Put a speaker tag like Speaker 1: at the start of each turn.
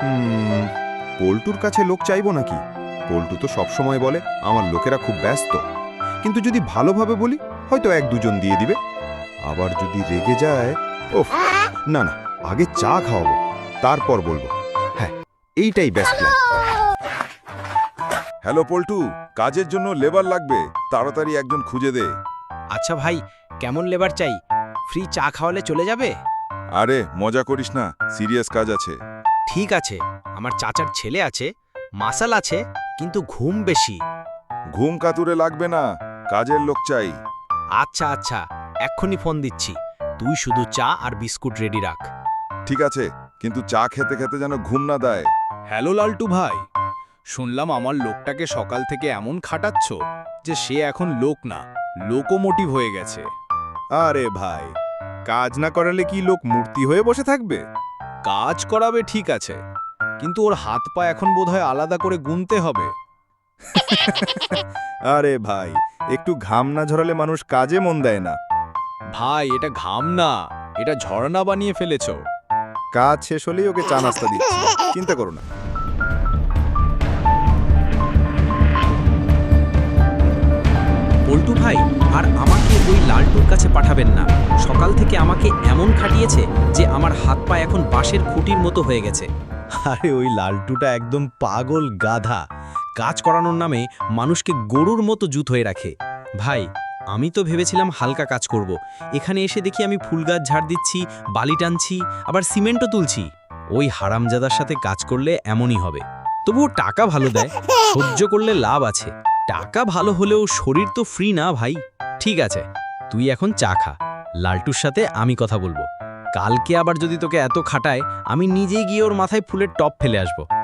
Speaker 1: পল্টুর কাছে লোক চাইবো নাকি? পল্টু তো সবসময় বলে আমার লোকেরা খুব ব্যস্ত, কিন্তু যদি ভালোভাবে বলি হয়তো এক দুজন দিয়ে দিবে। আবার যদি রেগে যায়, ওফ, না না, আগে চা খাওয়াবো, তারপর বলবো। হ্যাঁ, এইটাই বেস্ট প্ল্যান।
Speaker 2: হ্যালো পল্টু, কাজের জন্য লেবার লাগবে, তাড়াতাড়ি একজন খুঁজে দে।
Speaker 3: আচ্ছা ভাই, কেমন লেবার চাই? ফ্রি চা খাওয়ালে চলে যাবে?
Speaker 2: আরে মজা করিস না, সিরিয়াস কাজ আছে।
Speaker 3: ঠিক আছে, আমার চাচার ছেলে আছে, মাসাল আছে, কিন্তু ঘুম বেশি।
Speaker 2: ঘুম কাতুরে লাগবে না, কাজের লোক চাই।
Speaker 3: আচ্ছা আচ্ছা, এক্ষুনি ফোন দিচ্ছি। তুই শুধু চা আর বিস্কুট রেডি রাখ।
Speaker 2: ঠিক আছে, কিন্তু চা খেতে খেতে যেন ঘুম না দেয়।
Speaker 4: হ্যালো লালটু ভাই, শুনলাম আমার লোকটাকে সকাল থেকে এমন খাটাচ্ছ যে সে এখন লোক না, লোকোমোটিভ হয়ে গেছে।
Speaker 5: আরে ভাই, কাজ না করালে কি লোক মূর্তি হয়ে বসে থাকবে?
Speaker 4: কাজ করাবে ঠিক আছে, কিন্তু ওর হাত পা এখন বোধহয় আলাদা করে গুনতে হবে।
Speaker 5: আরে ভাই, একটু ঘাম না ঝরালে মানুষ কাজে মন দেয় না।
Speaker 4: ভাই, এটা ঘাম না, এটা ঝর্ণা বানিয়ে ফেলেছ।
Speaker 5: কাজ শেষ হলেই ওকে চা নাস্তা দিচ্ছি, চিন্তা করো না।
Speaker 3: পল্টু ভাই, আর আমাকে ওই লালটুর কাছে পাঠাবেন না। সকাল থেকে আমাকে এমন খাটিয়েছে যে আমার হাত পা এখন বাঁশের খুঁটির মতো হয়ে গেছে।
Speaker 4: আরে ওই লালটুটা একদম পাগল গাধা, কাজ করানোর নামে মানুষকে গরুর মতো জুত হয়ে রাখে।
Speaker 3: ভাই, আমি তো ভেবেছিলাম হালকা কাজ করব। এখানে এসে দেখি আমি ফুল গাছ ঝাড় দিচ্ছি, বালি টানছি, আবার সিমেন্টও তুলছি। ওই হারামজাদার সাথে কাজ করলে এমনই হবে। তবুও টাকা ভালো দেয়, সহ্য করলে লাভ আছে। টাকা ভালো হলেও শরীর তো ফ্রি না ভাই। ঠিক আছে, তুই এখন চা খা, লালটুর সাথে আমি কথা বলবো। কালকে আবার যদি তোকে এত খাটায়, আমি নিজেই গিয়ে ওর মাথায় ফুলের টপ ফেলে আসবো।